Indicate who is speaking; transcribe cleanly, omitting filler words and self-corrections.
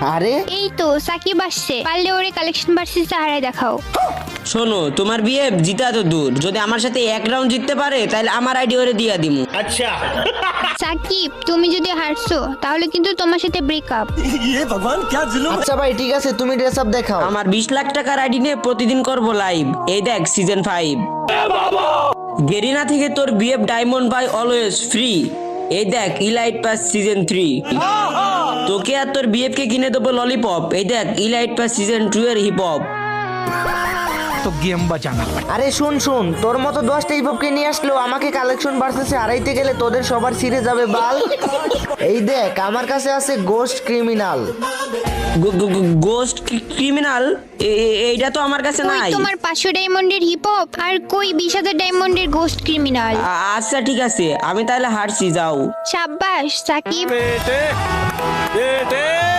Speaker 1: আরে
Speaker 2: এই তো সাকিব আসছে, পারলে ওরে কালেকশন ভার্সেস সাহারায় দেখাও।
Speaker 3: শোনো, তোমার বিয়ে জিতা তো দূর, যদি আমার সাথে এক রাউন্ড জিততে পারে তাহলে আমার আইডি ওরে দিয়া দিমু।
Speaker 2: সাকিব তুমি যদি হারছো তাহলে কিন্তু তোমার সাথে ব্রেকআপ।
Speaker 1: আচ্ছা ভাই ঠিক আছে, তুমি ড্রেস আপ দেখাও।
Speaker 3: আমার 20 লাখ টাকার আইডি নিয়ে প্রতিদিন করব লাইভ। এই দেখ সিজন 5। গেরিনা থেকে তোর BF diamond buy always free. এই দেখ ইলাইট পাস সিজন 3। তোকে আর তোর বিএফ কে কিনে দেবো ললিপপ। এই দেখ ইলাইট পাস সিজন 2 এর হিপ হপ।
Speaker 4: तो गेम बचाना पड़ेगा।
Speaker 1: আরে শুন শুন, তোর মতো 10টা হিপহপকে নিয়ে আসলেও আমাকে কালেকশন ভার্সেসে হারাইতে গেলে তোদের সবার ছিঁড়ে যাবে বাল। এই দেখ আমার কাছে আছে গোস্ট ক্রিমিনাল।
Speaker 3: Ghost criminal? এইটা তো আমার কাছে
Speaker 2: কই
Speaker 3: নাই।
Speaker 2: তোমার 500 ডায়মন্ডের হিপ হপ আর কই 20,000 ডায়মন্ডের গোস্ট ক্রিমিনাল?
Speaker 3: আচ্ছা ঠিক আছে, আমি তাহলে হারছি, যাও।
Speaker 2: সাব্বাস সাকিব।
Speaker 4: बेटे